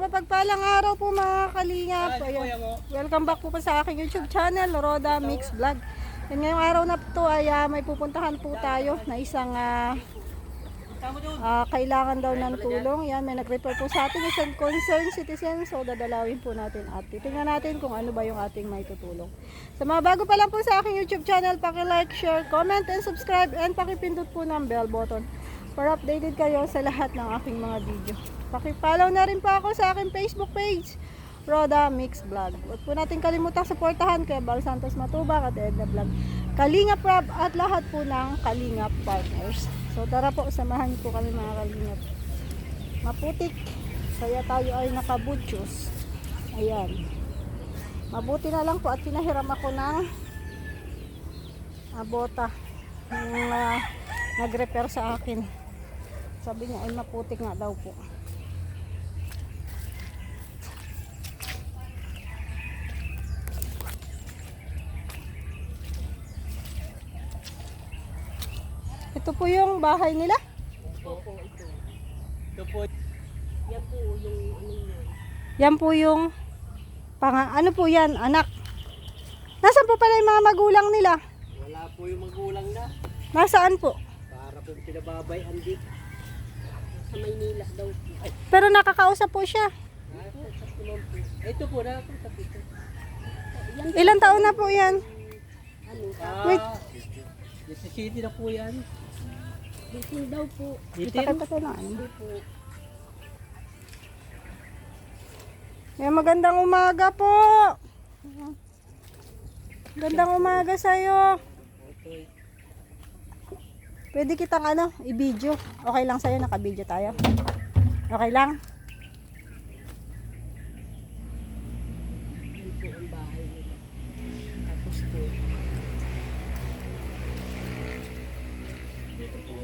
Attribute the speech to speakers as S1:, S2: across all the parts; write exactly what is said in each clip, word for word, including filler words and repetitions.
S1: mapagpalang araw po mga kalingap. Ayan. Welcome back po pa sa aking YouTube channel, Roda Mix Vlog. And ngayong araw na po ay uh, may pupuntahan po tayo na isang uh, uh, kailangan daw ng tulong. Yan, may nag-refer po sa atin isang concerned citizen. So dadalawin po natin at titingnan natin kung ano ba yung ating may tutulong. Sa mga bago pa lang po sa aking YouTube channel, paki-like, share, comment, and subscribe. And pakipindot po ng bell button para updated kayo sa lahat ng aking mga video. Paki-follow na rin po ako sa aking Facebook page, Roda Mix Vlog. Huwag po natin kalimutang suportahan kay Bal Santos Matubak at Edna Vlog, Kalingap Rob at lahat po ng Kalingap partners. So tara po, samahan niyo po kami mga Kalingap. Maputik, kaya tayo ay nakabutyos. Ayan. Mabuti na lang po at pinahiram ako ng abota ng uh, nag-repair sa akin. Sabi niya ay maputik nga daw po. Ito po yung bahay nila?
S2: Opo, ito. Ito po. Yan po yung ano yan.
S1: Yan po yung pang, ano po yan, anak. Nasaan po pala yung mga magulang nila?
S2: Wala po yung magulang na.
S1: Nasaan po?
S2: Para po pinababay andi. Sa Maynila daw po. Ay,
S1: Pero nakakausap po siya.
S2: nasa po naman po. Ito po na po sa pito. Yan,
S1: Ilang taon na po yan?
S2: ano?
S1: Wait.
S2: Ah, City na po yan. eighteen daw po.
S1: Itakay
S2: eighteen?
S1: pa tayo ng ano.
S2: Hindi po.
S1: Yan, magandang umaga po. Gandang umaga sa'yo.
S2: Okay.
S1: Pwede kitang ano, i-video. Okay lang sa'yo, naka-video tayo. Okay lang?
S2: Yan po ang bahay nila. Tapos po. Dito po.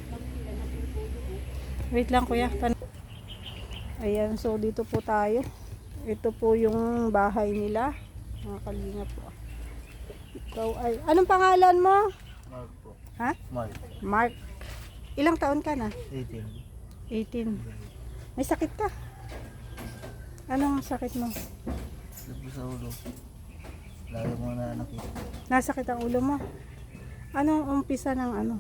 S1: Wait lang kuya. Pan Ayan, so dito po tayo. Ito po yung bahay nila. Mga Kalingap po. Ikaw ay, anong pangalan mo?
S3: Mark po.
S1: Ha?
S3: Mark.
S1: Mark. Ilang taon ka na?
S3: eighteen.
S1: eighteen. May sakit ka? Anong sakit mo?
S3: Sabi sa ulo. Lalo mo na nakita.
S1: Nasakit ang ulo mo? Anong umpisa ng ano?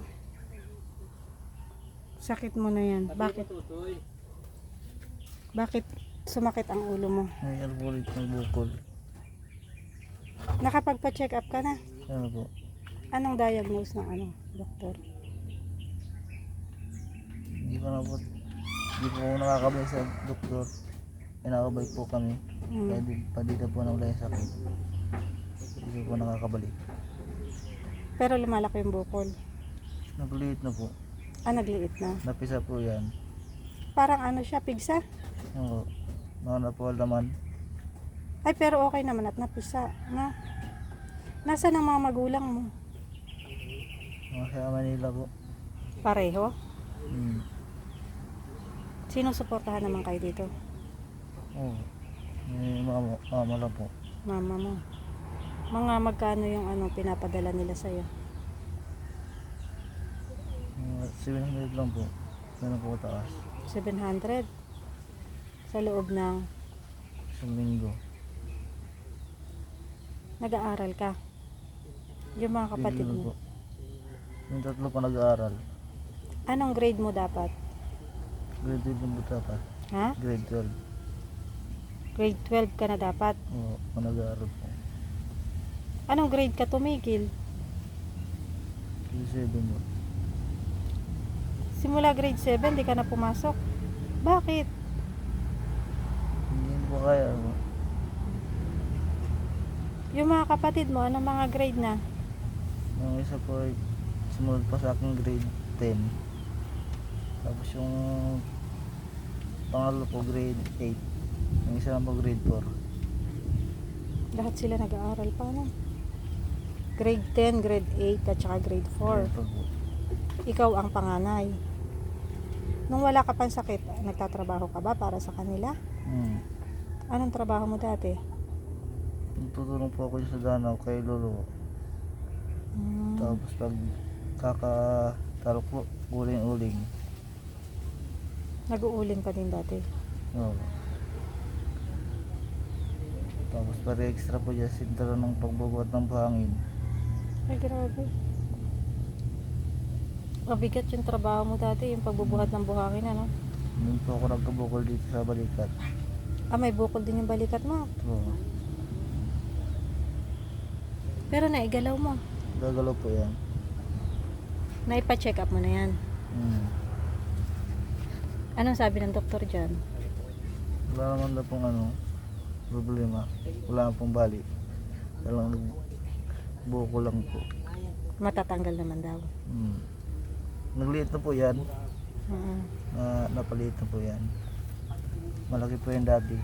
S1: Sakit mo na yan. Bakit?
S2: Tutoy.
S1: Bakit sumakit ang ulo mo?
S3: May albulit ng bukol.
S1: Nakapagpa-check up ka na?
S3: Ano po?
S1: Anong diagnose ng ano, doktor?
S3: Hindi ko na po. Hindi po ako nakakabay sa doktor. Pinakabay po kami.
S1: Hmm.
S3: Kaya di, pa dito po na wala yung sakit. Hindi po nakakabalik.
S1: Pero lumalaki yung bukol.
S3: Nagliit na po.
S1: Ah, nagliit na.
S3: Napisa po yan.
S1: Parang ano siya, pigsa?
S3: Oo. Mga na po laman.
S1: Ay, pero okay naman at napisa. Na? Nasaan ang mga magulang mo?
S3: Mga sa Manila po.
S1: Pareho?
S3: Hmm.
S1: Sino suportahan naman kayo dito?
S3: Oo. May mama, mama lang po.
S1: Mama mo. Mga magkano yung ano pinapadala nila sa'yo?
S3: Mga seven hundred lang po. Ganun po taas.
S1: seven hundred? Sa loob ng
S3: Isang linggo.
S1: nag-aaral ka? Yung mga kapatid
S3: Tigil
S1: mo?
S3: po. Yung tatlo pa nag-aaral.
S1: Anong grade mo dapat?
S3: Grade twelve yung buta pa.
S1: Ha?
S3: Grade twelve.
S1: Grade twelve ka na dapat.
S3: Oo, pa nag-aaral po.
S1: Anong grade ka tumigil?
S3: Grade seven po.
S1: Simula grade seven, di ka na pumasok. Bakit?
S3: Hindi po kaya po.
S1: Yung mga kapatid mo, anong mga grade na?
S3: Yung isa po ay sumunod pa sa akin grade ten. Tapos yung pangalo po grade eight. Yung isa lang po grade four.
S1: Lahat sila nag-aaral pa na. Grade ten, grade eight, at saka grade four.
S3: Grade four po.
S1: Ikaw ang panganay. Nung wala ka pang sakit, nagtatrabaho ka ba para sa kanila?
S3: Hmm.
S1: Anong trabaho mo dati?
S3: Tutulong po ako sa Danau kay Lolo.
S1: Hmm.
S3: Tapos pag kakatalok po, uling-uling.
S1: Nag-uuling ka din dati.
S3: Oo. Tapos para extra po dyan sintro ng pagbubuhat ng buhangin.
S1: Ay, grabe. Mabigat yung trabaho mo dati, yung pagbubuhat ng buhangin, ano?
S3: Doon po ako nagkabukol dito sa balikat.
S1: Ah, may bukol din yung balikat mo.
S3: So,
S1: Pero naigalaw mo.
S3: gagalaw po yan.
S1: Naipa-check up mo na yan.
S3: Hmm.
S1: Anong sabi ng doktor dyan?
S3: Wala naman na pong ano, problema. Wala naman pong bali. Walang buko lang po.
S1: Matatanggal naman daw.
S3: Hmm. Nagliit na po yan.
S1: Oo.
S3: Na, napaliit na po yan. Malaki po yan dati.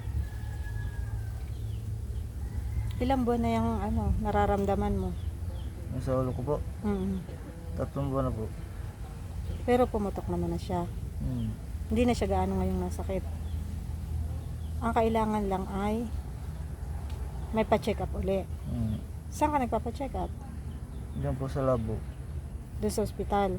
S1: Ilang buwan na yung ano, nararamdaman mo?
S3: Yung sa ulo ko po,
S1: Mm.
S3: tatlong buwan na po.
S1: Pero pumutok naman na siya.
S3: Hmm.
S1: Hindi na siya gaano ngayong nasakit. Ang kailangan lang ay may pa-check up uli.
S3: Hmm.
S1: Saan ka nagpapa-check up?
S3: Diyan po sa labo.
S1: Doon sa ospital.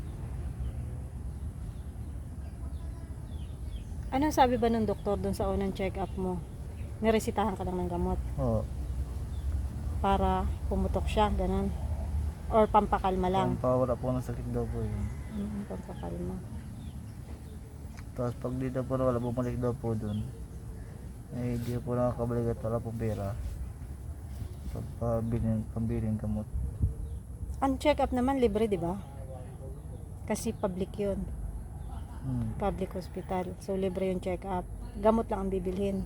S1: Anong sabi ba ng doktor doon sa unang check up mo? Niresitahan ka lang ng gamot
S3: Oo.
S1: para pumutok siya, ganun. Or pampakalma lang.
S3: Pampawala po ng sakit daw po yun.
S1: Mm, pampakalma.
S3: Tapos pag dito po na wala, bumalik daw po dun. Eh, di po nakakabalik at wala pong pera. Pagpabiling, pambiling gamot.
S1: Ang check up naman libre, di ba? Kasi public yun.
S3: Hmm.
S1: Public hospital. So libre yung check up. Gamot lang ang bibilhin.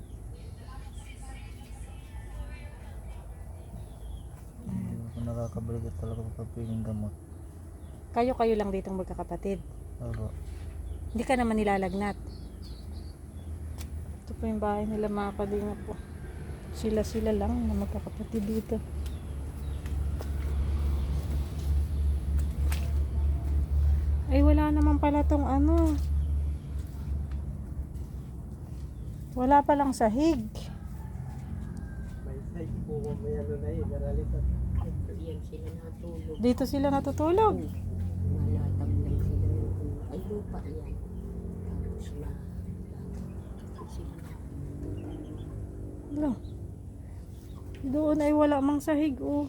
S3: Hindi po nakakabalik at wala pong pambiling gamot.
S1: Kayo-kayo lang ditong magkakapatid.
S3: Opo.
S1: Hindi ka naman nilalagnat. Ito po yung bahay nila, mga kalingap po. Sila-sila lang na magkakapatid dito. Ay, wala naman pala tong ano. Wala palang sahig.
S2: May side po ko may ano na yun, naralipat.
S4: Yan sila natulog.
S1: Dito sila natutulog.
S4: Malatag lang sila yung ay lupa yan. Tapos na sila.
S1: Wala. Doon ay wala mang sahig, oh.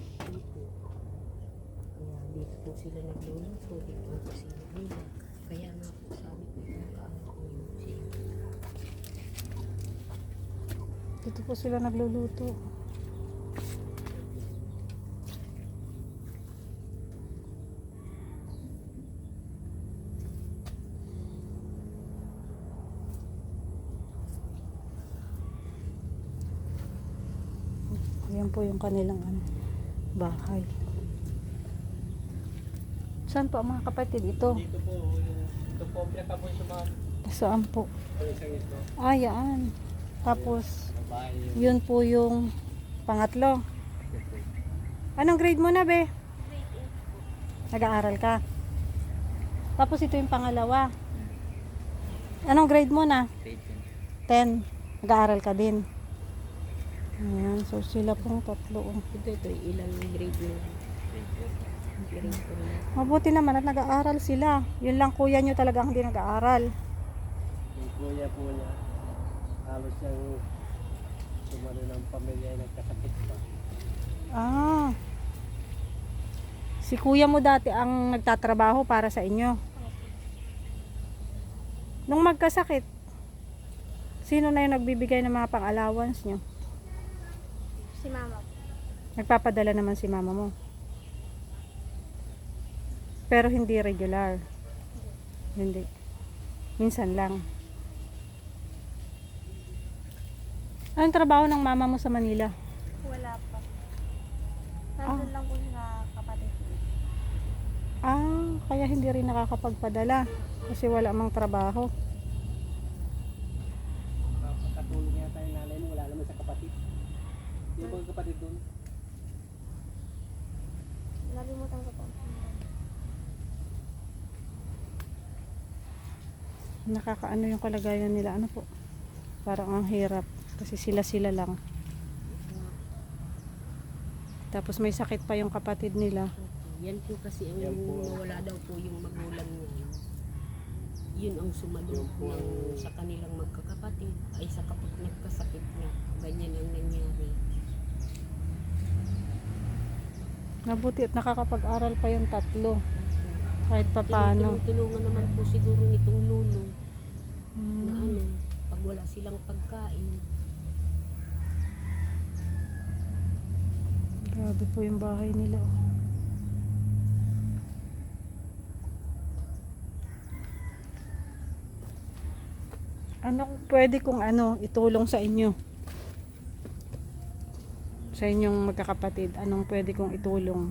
S4: Kaya dito po sila nagluluto. Dito po sila nila. Kaya nga po sabi ko nakaano ko yung siya.
S1: Dito po sila nagluluto. Yan po yung kanilang ano, bahay. Saan po ang mga kapatid? Ito.
S2: Dito po, yung, ito po, pinaka po yung sumama.
S1: Saan po?
S2: Yung isang ito.
S1: Ah, yan. Tapos,
S2: Babae yung
S1: yun po yung pangatlo. Anong grade mo na, be? Nag-aaral ka. Tapos ito yung pangalawa. Anong grade mo na? ten. Nag-aaral ka din. Ayan, so sila pong tatlo. oh.
S4: Ito, ito, ilang grade mo. Grade ko na.
S1: Mabuti naman at nag-aaral sila. Yun lang kuya nyo talagang hindi nag-aaral.
S2: yung kuya po niya. Halos siyang sumano ng pamilya ay nagkasakit pa.
S1: Ah. Si kuya mo dati ang nagtatrabaho para sa inyo. Nung magkasakit, sino na yung nagbibigay ng mga pang-allowance nyo?
S5: Si mama.
S1: Nagpapadala naman si mama mo. Pero hindi regular. Hindi. Minsan lang. Anong trabaho ng mama mo sa Manila?
S5: Wala pa. Nandun lang po sa kapatid ko.
S1: Ah, kaya hindi rin nakakapagpadala. Kasi wala mang trabaho.
S2: Pagkatulong yata yung nanay mo, wala naman sa kapatid. Yung mga kapatid doon.
S5: Nalimutan ko po.
S1: Nakakaano yung kalagayan nila. Ano po? Parang ang hirap. Kasi sila-sila lang. Tapos may sakit pa yung kapatid nila.
S4: Yan po kasi ang
S2: Yan po.
S4: nawala daw po yung magulang niya. yun ang sumalubong
S2: Yung po ang-
S4: sa kanilang magkakapatid ay sa kapag nagkasakit na ganyan ang nangyari.
S1: Mabuti at nakakapag-aral pa yung tatlo. Kahit pa paano.
S4: Tinutulungan naman po siguro nitong lulo na
S1: Hmm.
S4: ano, pag wala silang pagkain.
S1: Grabe po yung bahay nila. Ano pwede kong ano itulong sa inyo? Sa inyong magkakapatid, anong pwede kong itulong?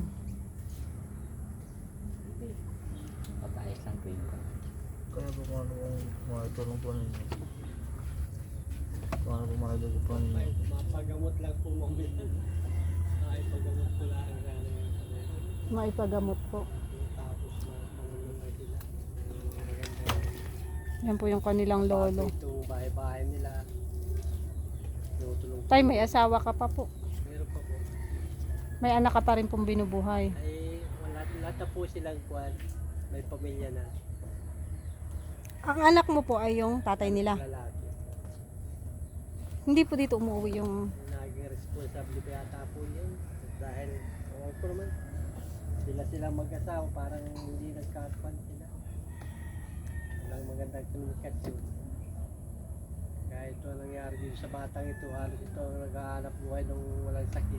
S6: Papayos lang po yun.
S3: Kaya po kung ano kung makatulong po ninyo. Kung ano po makatulong po ninyo.
S2: May mapagamot lang po mamit. Ay, pagamot ko lang sana yung ano.
S1: Maipagamot po.
S2: Tapos na pangulungan sila. Maganda
S1: Yan po yung kanilang lolo.
S2: Itong bahay-bahay nila. Tinutulong.
S1: Tay, may asawa ka pa po.
S2: Meron pa po.
S1: May anak ka pa rin pong binubuhay.
S2: Ay, wala, lahat na po silang kwan. May pamilya na.
S1: Ang anak mo po ay yung tatay nila.
S2: Lalaki.
S1: Hindi po dito umuwi yung...
S2: Naging responsable pa yata po yun. Dahil, ewan ko naman, sila silang mag-asawa, parang hindi nagkakwan sila. Walang magandang komunikasyon. Kaya ito ang nangyari dito sa batang ito, halos ito ang nag-aanap buhay nung walang sakit.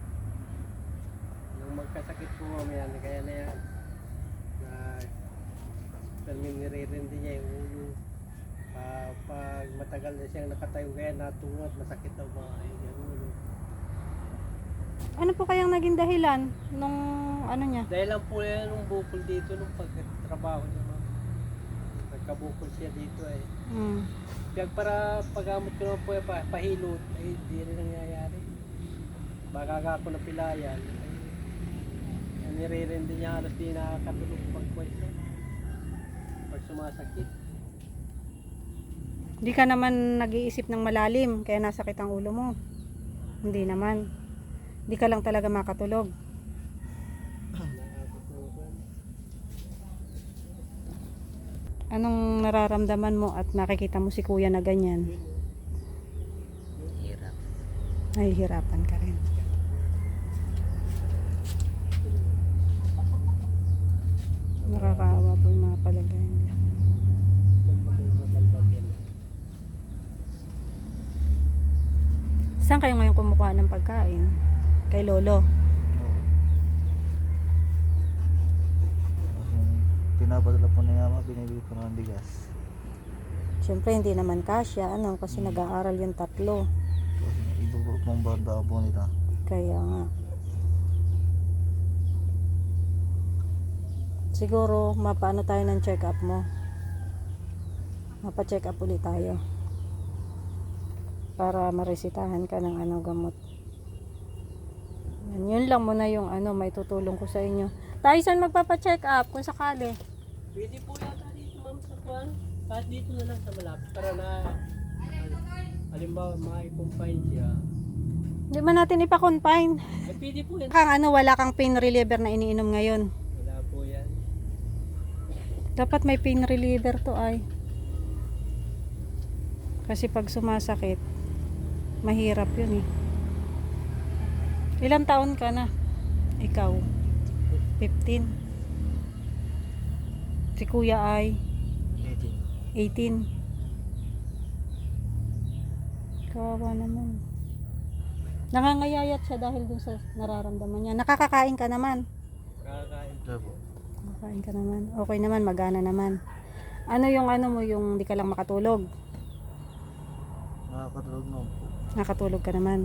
S2: Nung magkasakit po mamaya, kaya na yan, na permin nire-rindi niya yung ulo. Pa, pag matagal na siyang nakatayo kaya natungod, masakit daw ba yung ulo.
S1: Ano po kayang naging dahilan nung ano niya?
S2: Dahil lang po yan nung bukol dito nung pagtrabaho niya, ma'am. Nagkabukol siya dito eh.
S1: Hmm.
S2: Kaya para pagamot ko naman po yung pa- pahilot, ay hindi rin nangyayari. Baka ako na pilayan, ay nire-rindi niya halos di nakakatulog pagkwento. Pag sumasakit.
S1: Hindi ka naman nag-iisip ng malalim kaya nasakit ang ulo mo. Hindi naman. Hindi ka lang talaga makatulog.
S2: Nakakatulog.
S1: Anong nararamdaman mo at nakikita mo si kuya na ganyan?
S6: Hirap.
S1: Nahihirapan ka rin. Nakakaawa po yung mga palagay nila. Saan kayo ngayon kumukuha ng pagkain? Kay lolo.
S3: Oo. Kasi pinapadala po ni Mama, binibili po ng bigas.
S1: Siyempre hindi naman kasya, ano, kasi nag-aaral yung tatlo.
S3: Kasi iba po pong banda po nila.
S1: Kaya nga. Siguro mapaano tayo ng check up mo. Mapa-check up ulit tayo. Para maresitahan ka ng ano gamot. Yan, yun lang muna yung ano may tutulong ko sa inyo. Tayo saan magpapa-check up kung sakali?
S2: Pwede po yata dito ma'am sa kwan. Kahit dito na lang sa malapit. Para na, halimbawa, ma-confine siya.
S1: Hindi man natin ipa-confine.
S2: Eh, pwede po yan.
S1: Kang ano, wala kang pain reliever na iniinom ngayon.
S2: Wala po yan.
S1: Dapat may pain reliever to ay. Kasi pag sumasakit, mahirap yun eh. Ilang taon ka na? Ikaw? fifteen. Si kuya ay
S3: eighteen.
S1: eighteen. Kawawa naman. Nangangayayat siya dahil dun sa nararamdaman niya. Nakakakain ka naman.
S2: Nakakain.
S3: Siya po.
S1: Nakakain ka naman. Okay naman, magana naman. Ano yung ano mo, yung di ka lang makatulog?
S3: Nakakatulog naman po.
S1: Nakatulog ka naman.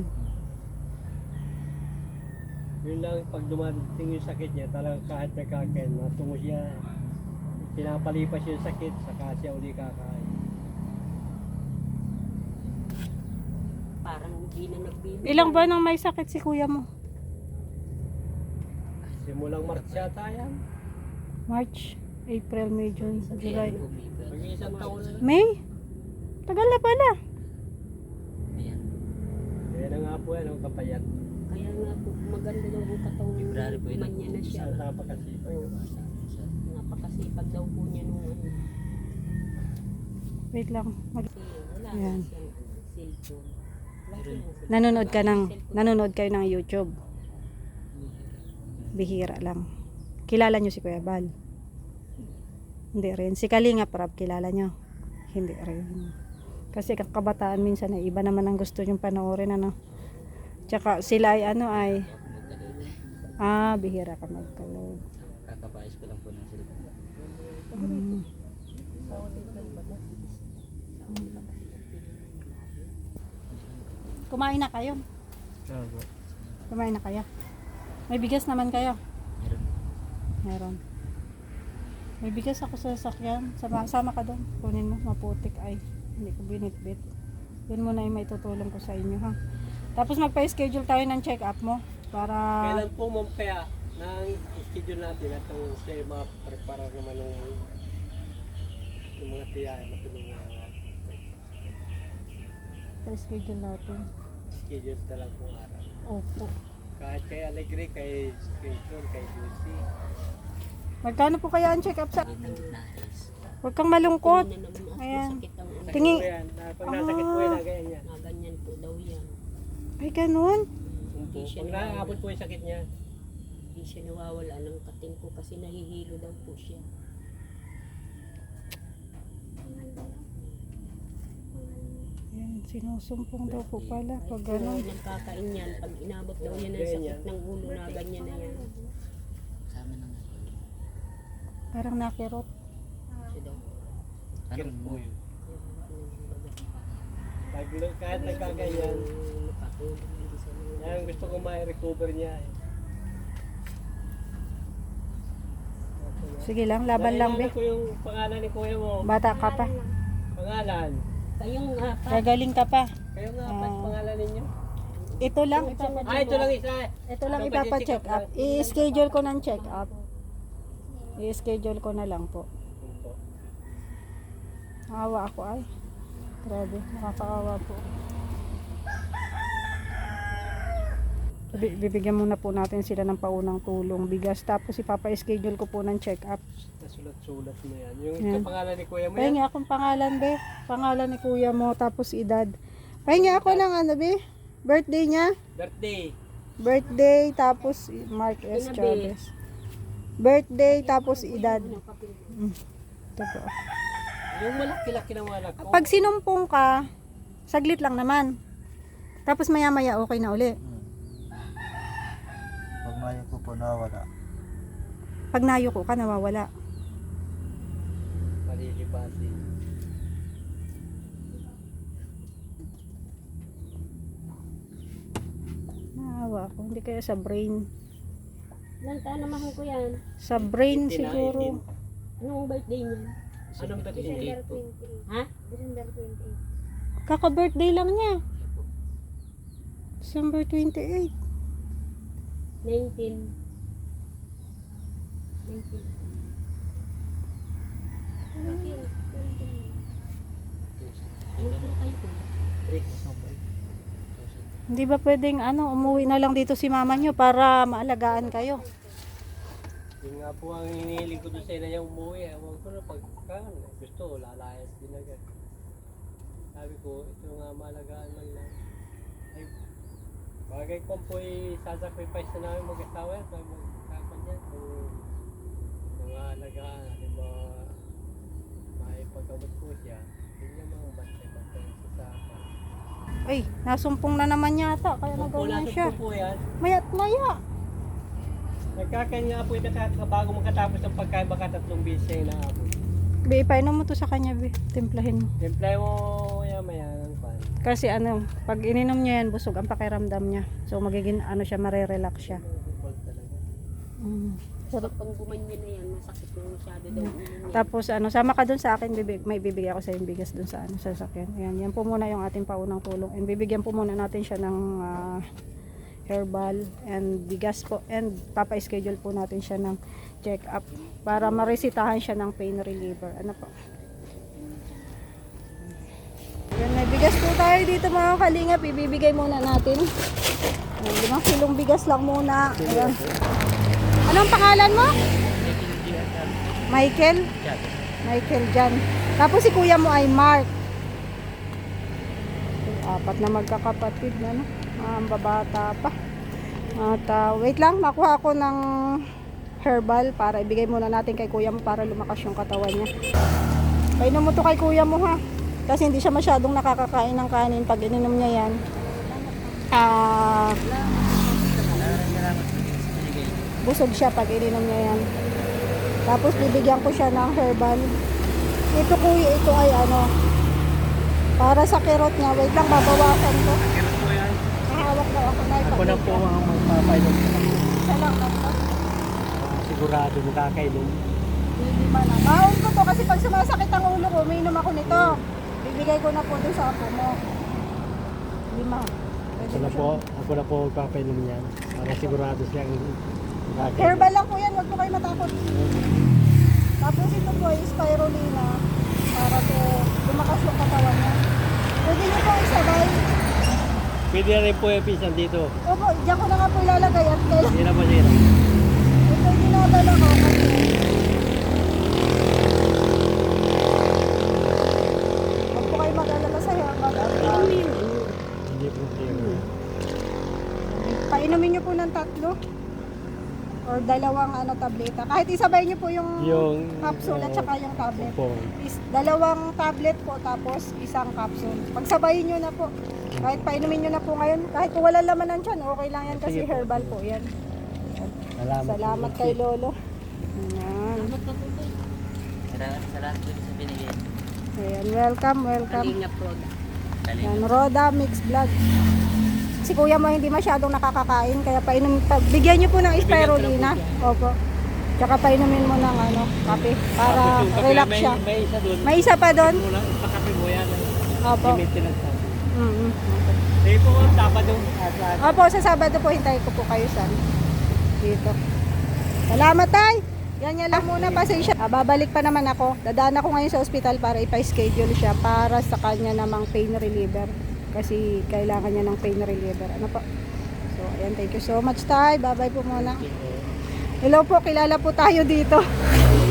S2: Yun lang, pag dumating yung sakit niya, talagang kahit nagkakain, natungo siya. Pinapalipas yung sakit, saka siya uli kakain.
S4: Parang hindi na nagbibigay.
S1: Ilang buwan nang may sakit si kuya mo?
S2: Simulang March yata yan.
S1: March, April, May, June, July.
S2: Mag-iisang taon na.
S1: May? Tagal na pala.
S6: Ayan.
S2: Kaya na nga po yan, ang kapayat.
S4: Kaya nga po, maganda daw ang katawan
S6: February po yun.
S4: man niya na siya.
S2: Sa napakasipag.
S4: Napakasipag daw po niya nung ano.
S1: Wait lang. Mag-
S4: Kasi wala
S1: Ayan.
S4: na siyang ano, cellphone. Wala siyang cellphone.
S1: nanonood ka ng, nanonood kayo ng YouTube. Bihira lang. Kilala nyo si Kuya Bal? Hindi rin. Si Kalinga Prab, kilala nyo? Hindi rin. Kasi kakabataan minsan ay iba naman ang gusto nyong panoorin, ano. Tsaka sila ay ano ay, ah, bihira ka magkalog.
S6: Kakapais ko lang po ng cellphone.
S1: Mm. Kumain na kayo?
S3: Ano po?
S1: Kumain na kayo? May bigas naman kayo?
S6: Meron.
S1: Meron. May bigas ako sa sasakyan. Sama, sama ka doon. Kunin mo. Maputik. Ay, hindi ko binitbit. Yun muna yung may tutulong ko sa inyo, ha? Tapos magpa-schedule tayo ng check-up mo. Para...
S2: Kailan po ma'am kaya nang schedule natin at ang siya ma-prepare naman ng yung mga tiyahin matulungan na
S1: Pa-schedule natin.
S2: schedule talaga kung araw.
S1: Opo.
S2: Kahit kay Alegre, kay Skinton, kay Lucy.
S1: Magkano po kaya ang check-up sa...
S6: Ang nais.
S1: Huwag kang malungkot.
S4: Tingin na naman at
S1: Ayan.
S4: masakit ang ulo.
S2: Sakit
S1: Tingi-
S2: po yan. Na, pag nasakit po yan, na ganyan yan.
S4: Na ganyan po daw yan.
S1: Ay, ganun.
S4: Hindi siya
S2: Pag
S4: nawawala.
S2: naaabot po yung sakit niya,
S4: Hindi siya nawawala ng kating ko kasi nahihilo daw po siya.
S1: Yan, sinusumpong daw po pala. Pag
S4: Pero
S1: ganun.
S4: nagkakain yan. Pag inabot daw yan ng sakit ng ulo na ganyan na yan.
S6: Sa amin naman.
S1: Parang nakirot.
S4: Siya daw.
S2: sakit
S6: Anong
S2: po
S6: mo?
S2: yun. Pag, kahit nagkaganyan,
S4: Nakatulong hindi sa mga
S2: yan gusto ko ma-recover niya. Eh.
S1: Sige lang, laban lang, be.
S2: Naalala ko yung pangalan ni kuya mo.
S1: Bata ka pa.
S2: Pangalan.
S4: Kayong apat.
S1: Gagaling ka pa.
S2: Kayo nga, uh,
S1: Ah.
S2: pangalan ninyo?
S1: Ito lang, ipapa-
S2: Ah, ito lang isa.
S1: ito lang
S2: Ano ba,
S1: ipapa-check
S2: check-up
S1: up. I-schedule ko ng check up. I-schedule ko na lang po.
S2: Opo.
S1: Awa ako ay. Grabe, nakakaawa po. Bi- Bibigyan muna po natin sila ng paunang tulong, bigas, tapos ipapa-schedule ko po ng check up.
S2: Nasulat-sulat mo yan. Yung
S1: Yan.
S2: sa pangalan ni kuya mo
S1: Pahingi
S2: yan?
S1: akong pangalan, be. Pangalan ni kuya mo, tapos edad. Pahingi ako ng ano, be. Birthday niya.
S2: Birthday.
S1: Birthday, tapos Mark S. Chavez. Birthday, tapos edad. Mm. Ito po.
S2: Yung malaki-laki ng mga anak ko.
S1: Pag sinumpong ka, saglit lang naman. Tapos maya-maya okay na uli.
S3: Hmm. Pag maya ko po nawala.
S1: Pag nayuko ka, nawawala.
S2: Malilipati.
S1: Naawa ako. Hindi kaya sa brain.
S4: Ilang taon naman ko yan.
S1: Sa brain
S2: eighteen na,
S1: siguro.
S2: eighteen.
S4: Anong birthday niya?
S2: Anong birthday?
S5: December twenty.
S4: Ha?
S5: December twenty.
S1: Kaka-birthday lang niya. December twenty-eight.
S4: nineteen. nineteen. Ano po kayo po?
S1: Hindi ba pwedeng ano, umuwi na lang dito si mama niyo para maalagaan kayo?
S2: Yung nga po ang hinihiling ko doon sa ina niya umuwi. Ewan ko na pagka gusto, lalayas din agad. Sabi ko, ito nga malagaan man lang. Ay, bagay ko po i-sacrifice na namin mag-asawa yan. Pag magkakan yan, kung mga alagaan, di ba, maipagabot po siya. Hindi niya mga bantay-bantay sa akin.
S1: Ay, nasumpong na naman yata. Kaya
S2: Kung po
S1: nagawa
S2: nasa
S1: siya.
S2: po po yan,
S1: Maya't maya.
S2: nagkakain nga po yung nakaka- bago makatapos ng pagkain, baka tatlong beses siya yung naabot.
S1: Be, ipainom mo to sa kanya, be. Timplahin mo.
S2: Simple mo yan maya ng pan.
S1: Kasi ano, pag ininom niya yan, busog ang pakiramdam niya. So magiging ano siya, marerelax siya.
S2: Bukol talaga.
S1: Mm.
S4: Pag pang gumanyan na yan, masakit na masyado daw ulo niya.
S1: Tapos ano, sama ka dun sa akin, bibig, may bibigay ako sa yung bigas dun sa ano, sa sasakyan. Ayan, yan po muna yung ating paunang tulong. And bibigyan po muna natin siya ng ah, herbal and bigas po. And papa-schedule po natin siya ng check-up para maresitahan siya ng pain reliever. Ano po? Yan, may bigas po tayo dito mga kalingap. Ibibigay muna natin. Ayan, limang kilong bigas lang muna. Ayan. Anong pangalan mo? Michael? Michael Jan. Tapos si kuya mo ay Mark. Apat na magkakapatid na, no? Ah, ang babata pa. At ah, wait lang, makuha ako ng herbal para ibigay muna natin kay kuya mo para lumakas yung katawan niya. Painom mo to kay kuya mo, ha? Kasi hindi siya masyadong nakakakain ng kanin. Pag ininom niya yan, ah, busog siya pag ininom niya yan. Tapos bibigyan ko siya ng herbal. Ito kuya, ito ay ano, para sa kirot niya. Wait lang, babawasan ko.
S2: Kailan po yan?
S1: Hahawak daw ako na
S2: Ako na po ang magpapainom sa kanya.
S1: Isa lang na to.
S2: Ah, sigurado makakainom.
S1: Lima na. Baon ko to kasi pag sumasakit ang ulo ko, umiinom ako nito. Bibigay ko na po doon sa apo mo. Lima. Pwede
S2: Ako na
S1: mo
S2: po,
S1: siya-
S2: ako na po magpapainom yan. Para sigurado siyang makakainom.
S1: Herbal lang po yan, huwag po kayo matakot. Tapos ito po ay spirulina para po lumakas yung katawan niya. Pwede niyo po isabay.
S2: Pwede na rin po yung pisan dito.
S1: Opo, diyan ko na nga po ilalagay at kailan.
S2: Hindi na po sila.
S1: Ito yung dinadala ko kasi huwag po kayo mag-alala sa herbal.
S2: Hindi problema.
S1: Painumin niyo po ng tatlo or dalawang ano tableta. Kahit isabay niyo po yung,
S2: Yung
S1: capsule at
S2: uh,
S1: saka yung tablet.
S2: po.
S1: Is, dalawang tablet po tapos isang capsule. Pagsabayin niyo na po. Kahit painumin niyo na po ngayon. Kahit kung wala laman ng tiyan, okay lang yan kasi
S2: Sige po.
S1: herbal po yan.
S2: Salamat.
S1: Salamat kay Lolo. Ayan.
S6: Salamat sa lahat po sa binigay.
S1: Ayan, welcome, welcome.
S4: Kalingap Roda.
S1: Yan, Roda Mix Vlog. Si kuya mo hindi masyadong nakakakain, kaya painom, pa, bigyan niyo po ng spirulina. Opo. Tsaka painumin mo ng ano, kape para
S2: Tapos yung kape,
S1: relax
S2: may,
S1: siya.
S2: May isa doon.
S1: May isa pa doon.
S2: Mula, pakape mo yan.
S1: Opo.
S2: I-maintenance natin.
S1: Mm-hmm.
S2: Sige po, dapat doon. At lahat.
S1: Opo, sa Sabado po hintay ko po kayo sa dito. Salamat tay. Yan yan lang muna, pasensya. Ah, babalik pa naman ako. Dadaan ako ngayon sa ospital para ipa-schedule siya para sa kanya namang pain reliever. Kasi kailangan niya ng pain reliever. Ano po? So, ayan, thank you so much tay. Bye-bye po muna. Hello po, kilala po tayo dito.